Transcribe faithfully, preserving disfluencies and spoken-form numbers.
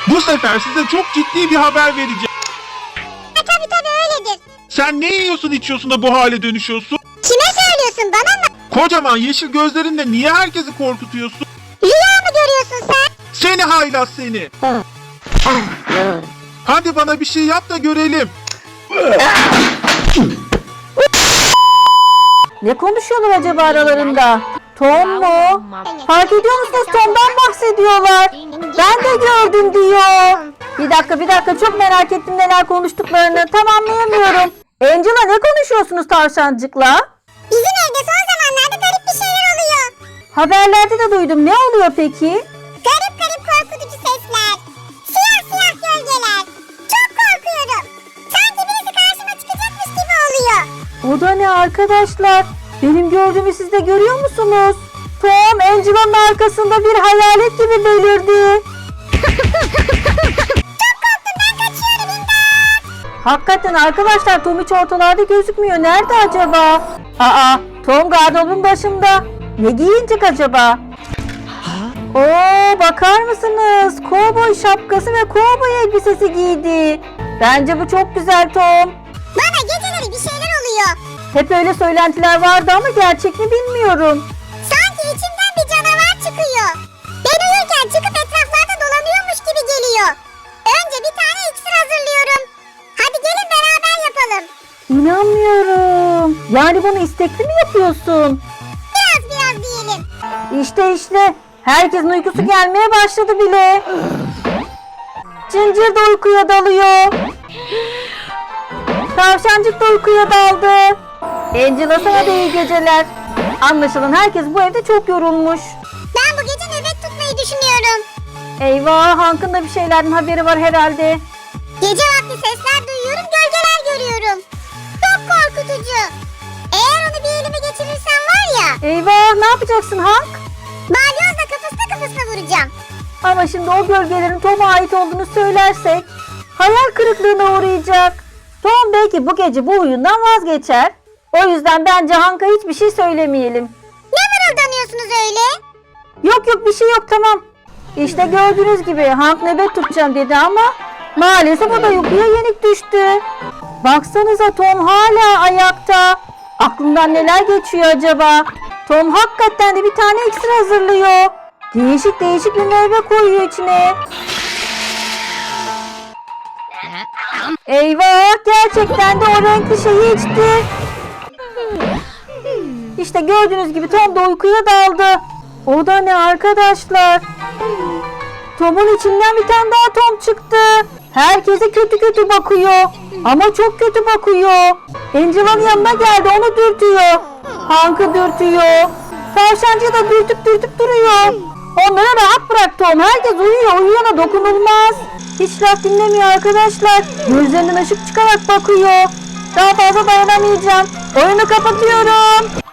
Bu sefer size çok ciddi bir haber vereceğim. Ha, tabii tabii öyledir. Sen ne yiyorsun içiyorsun da bu hale dönüşüyorsun? Kime söylüyorsun, bana mı? Kocaman yeşil gözlerinle niye herkesi korkutuyorsun? Rüya mı görüyorsun sen? Seni haylaz seni. Hadi bana bir şey yap da görelim. Ne konuşuyorlar acaba aralarında? Tom mu? Fark ediyor musunuz? Tom'dan bahsediyorlar. Ben de gördüm diyor. Bir dakika bir dakika çok merak ettim neler konuştuklarını. Tam anlayamıyorum. Angela ne konuşuyorsunuz tavşancıkla? Bizim evde son zamanlarda garip bir şeyler oluyor. Haberlerde de duydum. Ne oluyor peki? Garip garip korkutucu sesler. Siyah siyah gölgeler. Çok korkuyorum. Sanki birisi karşıma çıkacakmış gibi oluyor. O da ne arkadaşlar? Benim gördüğümü siz de görüyor musunuz? Tom Angela'nın arkasında bir hayalet gibi belirdi. Çok korktum, ben kaçıyorum, imdat. Hakikaten arkadaşlar Tom hiç ortalarda gözükmüyor. Nerede acaba? Aa, Tom gardırobun başında. Ne giyinecek acaba? Oo, bakar mısınız? Kovboy şapkası ve kovboy elbisesi giydi. Bence bu çok güzel Tom. Bana geceleri bir şeyler oluyor. Hep öyle söylentiler vardı ama gerçek mi bilmiyorum. Sanki içimden bir canavar çıkıyor. Ben uyurken çıkıp etraflarda dolanıyormuş gibi geliyor. Önce bir tane iksir hazırlıyorum. Hadi gelin beraber yapalım. İnanmıyorum. Yani bunu istekli mi yapıyorsun? Biraz biraz diyelim. İşte işte. Herkesin uykusu gelmeye başladı bile. Cincir de uykuya dalıyor. Tavşancık da uykuya daldı. Angela sana da iyi geceler. Anlaşılan herkes bu evde çok yorulmuş. Ben bu gece nöbet tutmayı düşünüyorum. Eyvah, Hank'ın da bir şeylerden haberi var herhalde. Gece vakti sesler duyuyorum, gölgeler görüyorum. Çok korkutucu. Eğer onu bir elime geçirirsem var ya, Eyvah, ne yapacaksın Hank? balyozla kafasına kafasına vuracağım. Ama şimdi o gölgelerin Tom'a ait olduğunu söylersek hayal kırıklığına uğrayacak. Tom belki bu gece bu oyundan vazgeçer. O yüzden bence Hank'a hiçbir şey söylemeyelim. Ne mırıldanıyorsunuz öyle? Yok yok bir şey yok, tamam. İşte gördüğünüz gibi Hank nöbet tutacağım dedi ama maalesef o da uykuya yenik düştü. Baksanıza Tom hala ayakta. Aklından neler geçiyor acaba? Tom hakikaten de bir tane iksir hazırlıyor. Değişik değişik bir meyve koyuyor içine. Eyvah, gerçekten de o renkli şeyi içti. İşte gördüğünüz gibi Tom da uykuya daldı. O da ne arkadaşlar? Tom'un içinden bir tane daha Tom çıktı. Herkese kötü kötü bakıyor. Ama çok kötü bakıyor. Angela'nın yanına geldi, onu dürtüyor. Hank'ı dürtüyor. Tavşancıyı da dürtüp dürtüp duruyor. Onlara rahat bırak Tom. Herkes uyuyor. Uyuyana dokunulmaz. Hiç laf dinlemiyor arkadaşlar. Gözlerinden ışık çıkarak bakıyor. Daha fazla dayanamayacağım. Oyunu kapatıyorum.